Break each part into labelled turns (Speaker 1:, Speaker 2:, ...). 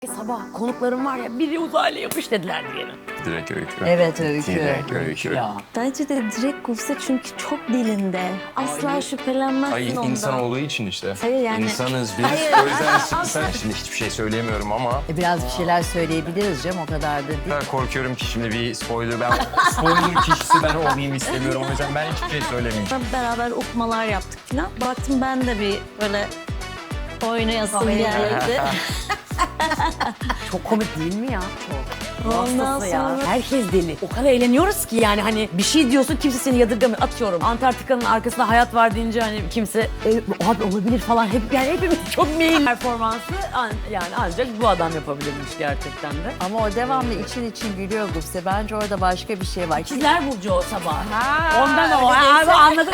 Speaker 1: Sabah konuklarım var ya, biri uzaylı yapış dediler diyelim.
Speaker 2: Direkt Öykü.
Speaker 3: Evet Öykü.
Speaker 2: Direkt Öykü.
Speaker 1: Ya.
Speaker 4: Bence de direkt Gupse çünkü çok dilinde. Asla şüphelenmezsin
Speaker 2: Ay
Speaker 4: ondan.
Speaker 2: insan olduğu için işte.
Speaker 4: Hayır yani-
Speaker 2: İnsanız biz. O yüzden sen şimdi hiçbir şey söyleyemiyorum ama
Speaker 3: Biraz bir şeyler söyleyebiliriz canım, o kadar da değil.
Speaker 2: o kadar korkuyorum ki şimdi bir spoiler kişisi ben olmayayım istemiyorum. O yüzden ben hiçbir şey söylemeyeceğim.
Speaker 4: Beraber okumalar yaptık falan. Baktım ben de bir böyle oynayasım geldi.
Speaker 1: Çok komik değil mi ya? Çok.
Speaker 4: Ondan
Speaker 1: Hastası ya.
Speaker 4: sonra-
Speaker 1: Herkes deli. O kadar eğleniyoruz ki yani hani bir şey diyorsun kimse seni yadırgamıyor. Atıyorum Antarktika'nın arkasında hayat var deyince hani kimse abi olabilir falan. Yani hepimiz çok mail performansı yani ancak bu adam yapabilirmiş gerçekten de.
Speaker 3: Ama o devamlı için gülüyor Gupse. Bence orada başka bir şey var.
Speaker 1: İkizler Burcu o sabah. Ondan o abi anladım.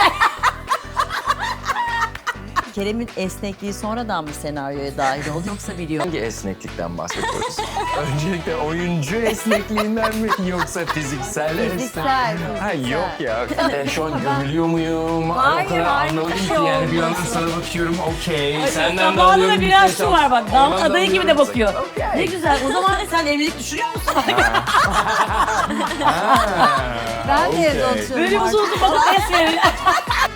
Speaker 3: Kerem'in esnekliği sonradan mı senaryoya dahil oldu yoksa biliyor?
Speaker 2: Hangi esneklikten bahsediyoruz? Öncelikle oyuncu esnekliğinden mi yoksa fiziksel
Speaker 3: Fiziksel,
Speaker 2: Ha
Speaker 3: fiziksel.
Speaker 2: yok ya. Ben şu an gömülüyor muyum?
Speaker 1: Hayır,
Speaker 2: o kadar
Speaker 1: hayır,
Speaker 2: anlamadım
Speaker 1: bir
Speaker 2: ki
Speaker 1: şey
Speaker 2: yani bir
Speaker 1: olmaz.
Speaker 2: yandan sana bakıyorum okey. Senden de
Speaker 1: Zamanında
Speaker 2: alıyorum.
Speaker 1: biraz şu var bak. Damat
Speaker 2: Ondan da
Speaker 1: adayı gibi de
Speaker 2: alıyorum.
Speaker 1: bakıyor.
Speaker 2: Okey.
Speaker 1: Ne güzel. O zaman sen evlilik düşünüyor musun?
Speaker 2: Ha,
Speaker 3: Ben de evde
Speaker 2: okey.
Speaker 3: oturuyorum.
Speaker 1: Böyle uzun uzun bakıp es veriyor.